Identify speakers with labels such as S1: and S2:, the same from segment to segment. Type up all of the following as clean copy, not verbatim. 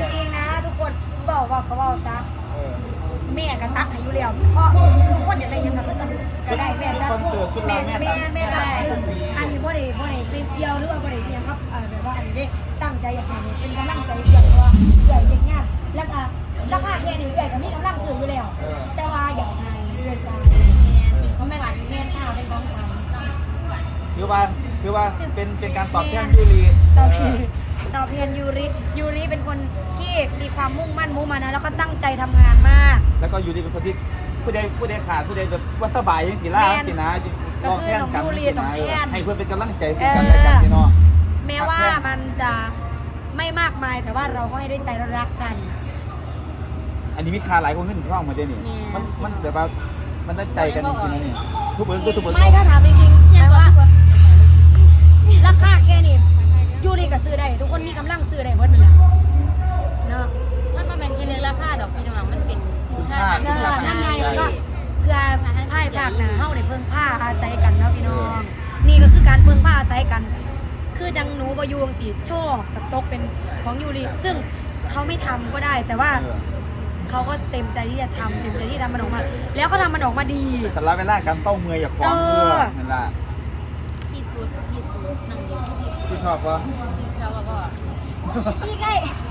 S1: ริงๆนะทุกคนบอกว่าก็บอกซะแม่ก็ตักให้อยู่แล้วเพราะทุกคนอยากได้ยังไงก็ได้แม่ตักแม่ได้อันนี้บ่ได้เป็นเกี่ยวหรือว่าบ่ได้เนี่ยครับแบบว่าอันนี้ได้ตั้งใจอยากให้เป็นกำลังใจเกี่ยวว่าใหญ่เด็กงานแล้วก็ราคาแค่นี้ใหญ่ก็มีกำลังซื้ออยู่แล้วแต่ว่าอยากให้เพื่อนใจเพราะแม่ค่ะแม่ข้าวเป็นของขวัญ
S2: คือว่าเป็นการตอบแทนยูรี
S1: ตอบแทนยูริเป็นคนที่มีความมุ่งมั่นมุ่งมานะแล้วก็ตั้งใจทำงานมาก
S2: แล้วก็ยูรีเป็นคนที่ผู้ใดขาดผู้ใดแบบว่าสบายยังสีล่าสีนะ
S1: ก็คือน้องยูรีต้องแทน
S2: ให้เพื่อนเป็นกำลังใจซึ่งกันและกันพี่น้อง
S1: แม้ว่ามันจะไม่มากมายแต่ว่าเราก็ให้ได้ใจเรารักกัน
S2: อันนี้มีคาหลายคนขึ้นช่องมาเจนี่มันแบบว่ามันได้ใจกันจริงๆนะนี่ทุกคน
S1: ไม่ถ้าถามจริงๆแปลว่าราคาแค่นี้ยูรีก็ซื้อได้ทุกคนมีกำลังซื้อได้หมดเลยเนาะ
S3: มันเป็นแค่เรื่องราคาดอกพี่น้องมันเป็น
S1: นั่นไงแล้วก็คือไพ่ภาคหนาเฮ้าในเพิ่งผ้าอาศัยกันเนาะพี่น้องนี่ก็คือการเพิ่งผ้าอาศัยกันคือจังหนูบยูงสีโชคกับตกเป็นของยูรีซึ่งเขาไม่ทำก็ได้แต่ว่าเขาก็เต็มใจที่จะทำเต็มใจที่จะทำมันออกมาแล้วก็ทำมันออกมาดี
S2: สำหรับเวลาการเต้าเมื่อยอย่าคล้องเพื่อนั่นแหละ
S3: ที่สุดนั่งอยู่
S2: ที่ชอบปะ
S3: ที่ชอบก็
S1: ที่ใกล้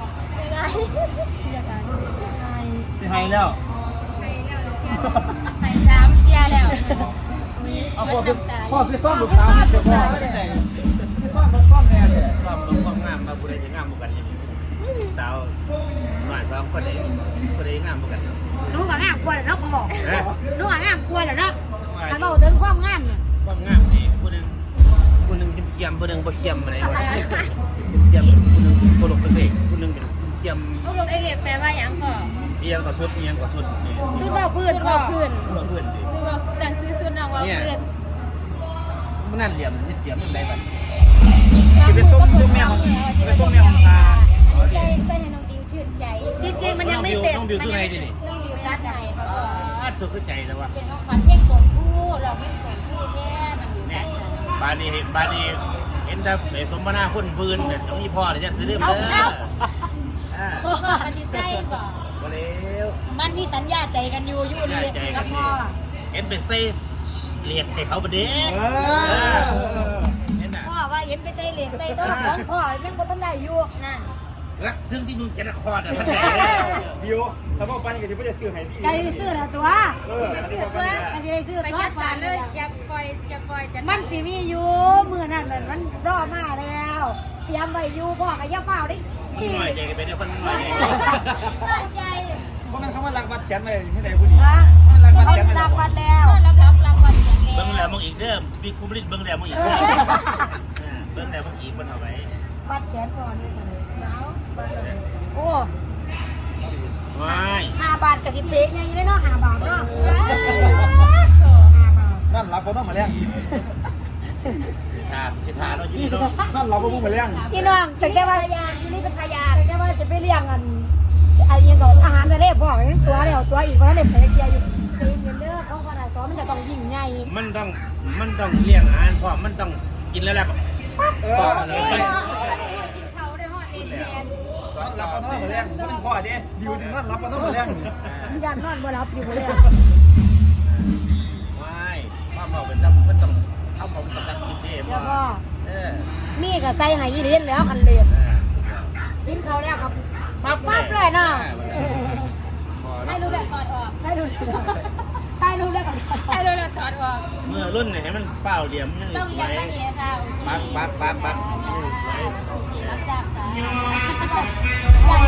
S2: ที่ให้แล้ว
S3: ไป3เที่ยแล้ว
S2: เอาพ่อคือซ่อมลูกสาวเดี๋ยวพ่อไม่ได้ซ่อมแน่เลย
S4: ซ่อมความงามมาผู้ใดจะงามกันอย่างนี้สาวหน่อย2คนใดงามกัน
S1: นู้ว่างามกว่าแล้วเขาบอกนู้ว่างามกว่าแล้วเขาบอกถึงความงามเนี่ย
S4: ความงามนี่ผู้หนึ่งเขี้ยมผู้หนึ่งบ่เขี้ยมอะไรวะเขี้ยมผู้หนึ่งโคลกเป็นเด็กผู้หนึ่งเป็นเขี้ยม
S3: โคลกไอเรียกแปลว่าอย่างก่อ
S4: เอียงกับสุด
S1: ชุดว่าพื้น
S3: พ่อพื้น
S4: ดิ
S3: ชุดว่าจังซื้อชุดน้องว่าพื้น
S4: มันนั่นเหลี่ยมนิดเดียวมันได้แบบ
S2: ที่เป็นส้มแมวของตา
S3: ใจให้น้องดิวชื่นใจ
S1: จริงๆมันยังไม่เสร็จ
S4: น้องดิวซื้อไงดิ
S3: น้องดิวตัดให้พ่อ
S4: สุดเข้าใจแล้วว่า
S3: เป็นของขวัญเพลงส่งผู้เราไม่ส่งผู้แท้น้องดิวตัด
S4: บานีเห็นแต่สมนาคุณพื้นเนี่ยต้องมีพ่อเลยจะซื้อเรื่อง
S3: เลยมันจะใจบ่
S4: ก็แล้ว
S1: มันมีสัญญาใจกันอยู่ยูรีกับพ่อ
S4: เห็นเป็นเซสเลียดใส่เขาประเด็น
S1: พ่อว่าเห็นไปใจเหรียญใจตัวของพ่อยังบ่ทันได้อยู่
S3: นั่น
S4: รักซึ่งที่มึงจะนครท่านใด
S2: บิวถ้าพ่อปันก็จะไม่ได้ซื้อให้พี่
S1: ใจซื้อละตัวใจซื้อ
S3: ไปจัดการเลยอย่าปล่อย
S1: มันสิมีอยู่มือนั่นมันรอมาแล้วเตรียมไว้อยู่พ่อกับย่าเฝ้าดิ
S4: มันหน่อยใจกันไปเนี่ยคนหน่อย
S3: ใจ
S2: เพราะมันคำว่ารักวัดแขนเลยไม่ได้ผู้ดี
S1: รักวัดแล้ว
S3: รับรางวัลอย่าง
S4: เบิ้งแล้วมึงอีกเริ่มบิ๊กคูบลิตเบิ้งแล้วมึงอีกเบิ้งแล้วมึงอีกมันเอาไว้
S1: วัดแขนก่อนนี่โอ้5 บาทกับ10 เป๊กไงยังได้เนาะ5 บาทเนาะ
S2: นั่นรับก็ต้องมาเลี้ยง
S4: สิทาเราอยู่นี่เนาะ
S2: นั่นเราก็มุ่งมาเลี้ยง
S1: พี่น้องแต่ว่า
S3: พยานที่นี่เป็นพยาน
S1: แต่ว่าจะไปเลี้ยงกันไอ้ยังก่อนอาหารทะเลพ่อยังตัวเดียวตัวอีกเพราะเด็กไปเกียร์อยู่ตีนเด้อเขาขนาดซ้อมมันจะต้องยิ่งใหญ่
S4: มันต้องเลี้ยงอาหารพ่อมันต้องกินแล้วแหละ
S3: ต่อเลยกินเขาได้หอดเองแทน
S2: รับก็ต้องมาเลี้ยงก็เป็นพ่อเด้ดิวดินั่นรับก็ต้องมาเลี้ยง
S1: ยันนอนบ่รับอยู่เลย
S4: ไม่พ่อเราเป็นมันต้องเอาผมต้องกินเอง
S1: พ่อมีกับใส่ไหยีเลี้ยนแล้วคันเลี้ยนกินเขาแล้วครับปั๊บเลยเนาะ
S3: ให้รู้แบบถอดออก
S1: ให้รู้แล้วก่อน
S3: ให้รู้แล้วถอดออก
S4: เมื่อรุ่นไหนมันเปล่าเหลี่ยมยัง
S3: ต้องเลี้ยงแบบนี้ค่ะ
S4: ปั๊บ
S3: โอเครับจ้างค่ะ